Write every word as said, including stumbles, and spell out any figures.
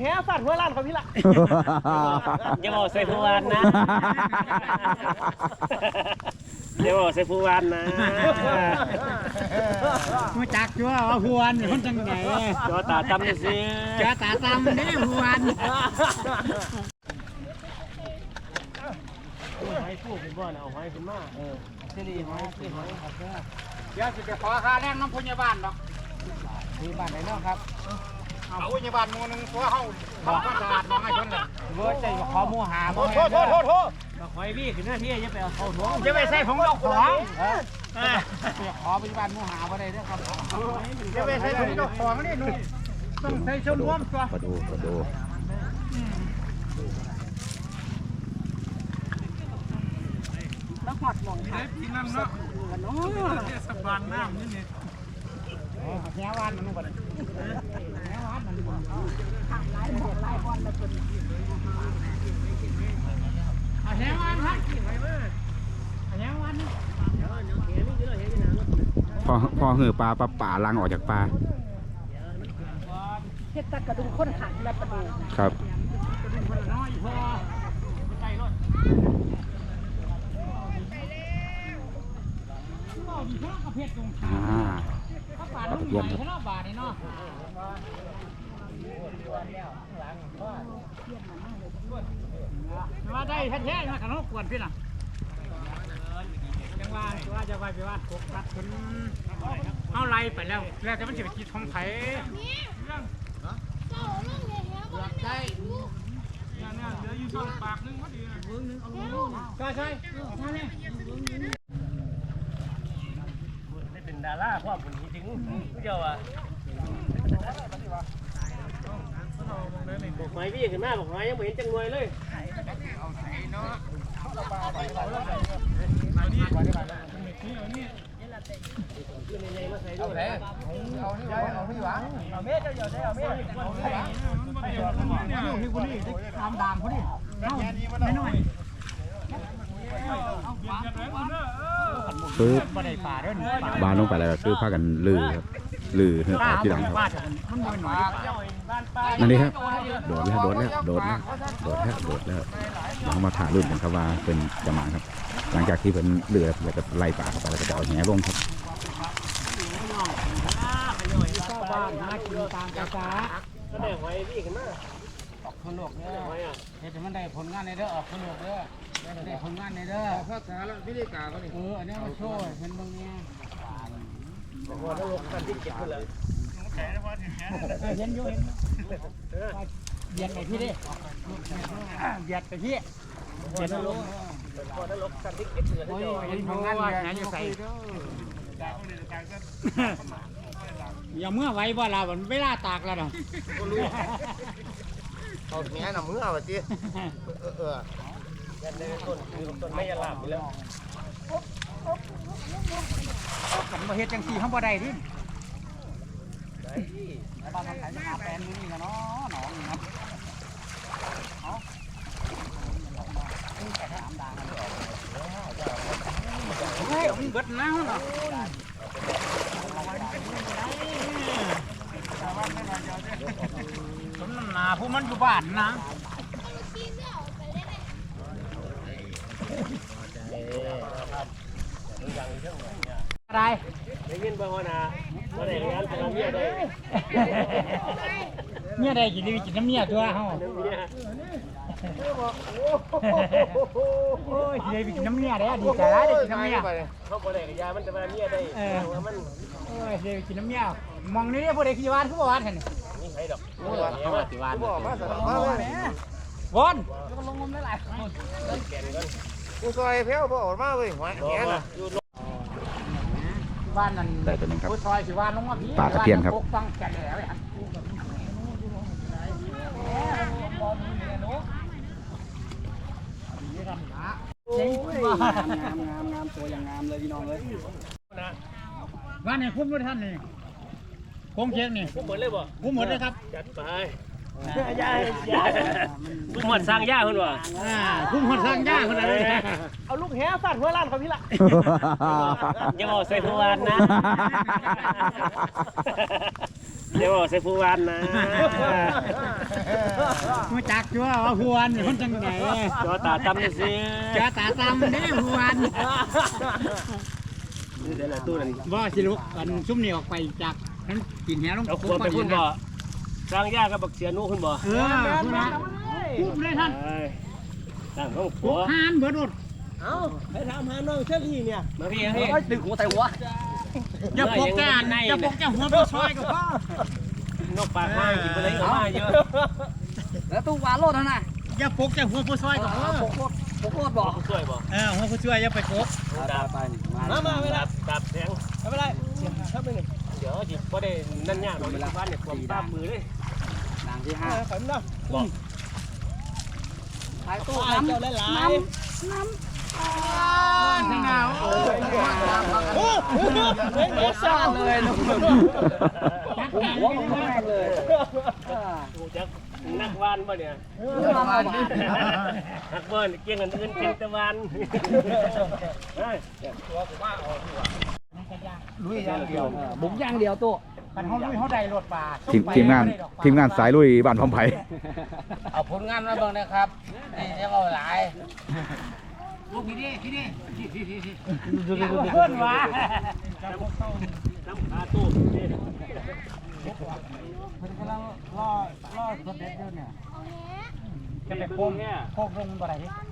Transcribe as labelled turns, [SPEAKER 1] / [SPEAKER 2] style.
[SPEAKER 1] แห่ฟาดหัวล้านเขาพี่ละ
[SPEAKER 2] อย่าบอกใส่ผู้วันนะอย่าบอกใส่ผู้วันนะ
[SPEAKER 3] มาจักจัวว่าผู้วันคนจังไหน
[SPEAKER 2] จอตาตำนี่สิ
[SPEAKER 3] จอตาตำนี่ผู้วัน
[SPEAKER 2] หอยฟูเป็นบ่อนเอาหอยขึ้นมาเออเสรีหอยที่หอย
[SPEAKER 3] เดี๋ยวจะไปขอค่าแรงน้ำพยาบาลหรอกพยาบาลไหนเนาะครับเอาพยาบาลมูนึงเพราะเขาทำความสะอาดมองให้คนเลยเวิร์ดใจขอมูหาโทษโทษโทษโทษ
[SPEAKER 2] หอยวี่ขึ้นหน้าที่จะไปเอาเขาท้อง
[SPEAKER 3] จะไปใส่ของเราของขอพยาบาลมูหาบ่ได้เด้อครับจะไปใส่ของเราของนี่นุ่มต้องใส่ชมรมตัว
[SPEAKER 4] มาดูมาดู
[SPEAKER 1] แล้วหอดหมองค่ะ
[SPEAKER 3] กินน้ำเนาะเนาะเทศบาลน้ำนี่นี่แง่วันมันบ่ได้แง่วันมันบ่ทางหลายหมองหลายวันแล้วคนเอาแง่วันครับแง่วัน
[SPEAKER 4] พอพอหือปลาปลาป่าลังออกจากปลา
[SPEAKER 1] เฮ็ดตะกระดุมข้นหันและประดู
[SPEAKER 4] ครับอ่าปลาตะเพียนครับ
[SPEAKER 3] มาได้แท้ๆมาขนมกวนพี่น่ะจังหวะว่าจะไปไปว่าตกรัดคนเอาไล่ไปแล้วแล้วจะมันจะไปกินของไผ่ใช่เนี่ยเนี่ยเหลืออยู่สองปากนึงพอดีเบิ้งนึงเอาลูกใช่ใช่ท่านนี่
[SPEAKER 2] ได้เป็นดาราความผลจริงเจ้าอ่ะบอกหอยวี่ขึ้นมาบอกหอยยังไม่เห็นจังรวยเลย
[SPEAKER 3] เอาไหนเอานี่ไว้เอาพี่หวังเอาเม็ดเจ้าเจ้าเอาเม็ดเอาพี่คนนี้ทำด่างคนนี้เอาไม่น้อย
[SPEAKER 4] ปึ๊บบานลงไปแล้วก็คือพากันลือครับลือออกที่หลังครับนั่นนี่ครับโดดแล้วโดดแล้วโดดแล้วโดดแล้วโดดแล้วหลังมาถ่ายรุ่นกันครับว่าเป็นจะมาครับหลังจากที่เป็นเรือแล้วก็ไล่ป่าเข้าไปแล้วก็จะเอาแหลงครับ
[SPEAKER 3] บ้านหากินตามภาษา
[SPEAKER 2] ก็ได้หอยวี่ขึ้นมา
[SPEAKER 3] ออกคนโลกเนี่ยเฮ็ดให้มันได้ผลงานในเด้อออกคนโลกเด้อได้ผลงานในเด้อภาษาแล้ววิธีการก็นี่เอออันนี้มาช่วยเป็นบางเนี่ย
[SPEAKER 2] บอกว่าถ้าลงกันที่เก็บไปเลย
[SPEAKER 3] เห็นอยู่เห็นเบียดไปพี่ดิเบียดไปพี่เบียดลง
[SPEAKER 2] พอถ้าลงกันที่เก็บเลย
[SPEAKER 3] โอ้ยเห็นผลงานเนี่ยอยู่ใส่อย่าเมื่อไว้บ่เราเวลาตากแล้วเนาะ
[SPEAKER 1] เอาแม่น่ะมือเอาสิเออเออ
[SPEAKER 2] ยันในต้นคือต้นไม่ยาลาบอยู่แล้ว
[SPEAKER 3] กันมาเฮ็ดจังสี่ข้างบ่ได้ดิบ้านทำไหนจะหาแปลนนี่กันเนาะหนองครับเฮ้ยมันเบิดน้ำเนาะสมน้ำหนาผู้มันอยู่บ้านนะอะไร
[SPEAKER 2] ได้ยินบ่ว่านะบ่ได้งานแต่เมียได้
[SPEAKER 3] เมียได้กินดีกินน้ำเมียตัวเฮาโอ้ยได้กินน้ำเมียได้ดีใจได้กินน้ำเมีย
[SPEAKER 2] เขาบ่ได้กับยามันจะมาเมียได้เออมัน
[SPEAKER 3] โอ้ยได้กินน้ำเมียมองนี่บ่ได้ขี้วานคือบ่วานหั่นนี่
[SPEAKER 2] นี่ไผดอก
[SPEAKER 3] โอ้ยว่าสิวานบ่มาซะบ่วอนลงงมหลายๆคน
[SPEAKER 2] แก่นก่อน
[SPEAKER 1] กูซอยแพ้วบ่ออกมาเว้ยหัวแหน่ะ
[SPEAKER 3] บ้านนั่นผู้ซอยสิวานลงมาพี่
[SPEAKER 4] ปลาตะเพียนครับ
[SPEAKER 3] ฟังแก่แล้วฮะเจ๋งงามงามงามงามตัวอย่างงามเลยพี่น้องเลยบ้านไหนคุ้มด้วยท่านนี่โค้งเชียงนี่
[SPEAKER 2] คุ้มหมดเลยบ่
[SPEAKER 3] คุ้มหมดเลยครับ
[SPEAKER 2] จัดไปย่าย่าคุ้มหมดสร้างย่าคนวะ
[SPEAKER 3] คุ้มหมดสร้างย่าคนอะไร
[SPEAKER 1] เอาลูกแห่ฟาดหัวล้านเขาพี่ละ
[SPEAKER 2] อย่าบอกใส่ผู้วันนะอย่าบอกใส่ผู้วันนะ
[SPEAKER 3] มาจักจั่วว่าหวนคนจังไหน
[SPEAKER 2] จอตาตำเลยสิ
[SPEAKER 3] เจ้าตาตำนี่หวน
[SPEAKER 2] นี่เดี๋ยวละตู้นั่น
[SPEAKER 3] บ่สิลุกกันซุ่มนี่ออกไปจากนั้นกินแหลง
[SPEAKER 2] เอาขวดไปพุ่นบ่สร้างยากับบักเสียนู้พุ่นบ่
[SPEAKER 3] เออพุ่นนะปุ๊บเลยท่าน
[SPEAKER 2] ตั้งห้อง
[SPEAKER 3] ปุ๊
[SPEAKER 2] ผัว
[SPEAKER 3] บหานเบิดอด
[SPEAKER 1] เอ้าไปถามหาน้องเชอรี่เนี่ย
[SPEAKER 2] มาพี่พี่
[SPEAKER 1] ตึกหัวใส่หัว
[SPEAKER 3] อย่าพกแก่อย่าพกแก่หัวผู้ซอยกับพ่อน
[SPEAKER 2] กปากมากินไปเลยก็มาเยอะ
[SPEAKER 1] แล้วตู้วาโลดนะ
[SPEAKER 3] อย่าพกแก่หัวผู้ซอยกับพ่อ
[SPEAKER 1] โคตรโคตรบอก
[SPEAKER 2] ช่วยบ่
[SPEAKER 3] เออหัวผู้ช่วยอย่าไปพก
[SPEAKER 2] ดาบ
[SPEAKER 1] มามาไม่ได้
[SPEAKER 2] ดาบแทง
[SPEAKER 1] ไม่ได้เสียถ้าไม่หนึ่ง
[SPEAKER 2] เดี๋ยวจิบ่ได้นั่นยากหรอกบ้านเนี่ยความตามมือเลย
[SPEAKER 3] ดังที่ห้า
[SPEAKER 1] ขำนะ
[SPEAKER 2] บอก
[SPEAKER 1] ขายตู้น้ำเจ้าหลาย
[SPEAKER 3] ไม่เงา
[SPEAKER 1] โอ้โหเด็กซ่าเลยนุ่มหัวของแม่เลย
[SPEAKER 2] กูจักนักวานบ่เนี่ยนักเบิ้ลเกี่ยงเงินอื่นเป็นตะวันเฮ้ย
[SPEAKER 1] ลุยอย่างเดียวบุกอย่างเดียวตู้
[SPEAKER 3] กันเขาลุยเขาได้รถป่า
[SPEAKER 4] ทีมทีมงานทีมงานสายลุยบ้านพร้อมไผ่
[SPEAKER 1] เอาผลงานมาเบิ่งนะครับนี่จะเอาหลาย
[SPEAKER 3] ลูกพี่ดิพี่ดิพี่พี่พี่พี่
[SPEAKER 2] เพื่อนวะน้ำขาตู้นี่
[SPEAKER 3] มันกำลังล่อล่อสเต็ปอยู่เนี่ยจะไปโค้งโค้งลงบ่ได้ดิ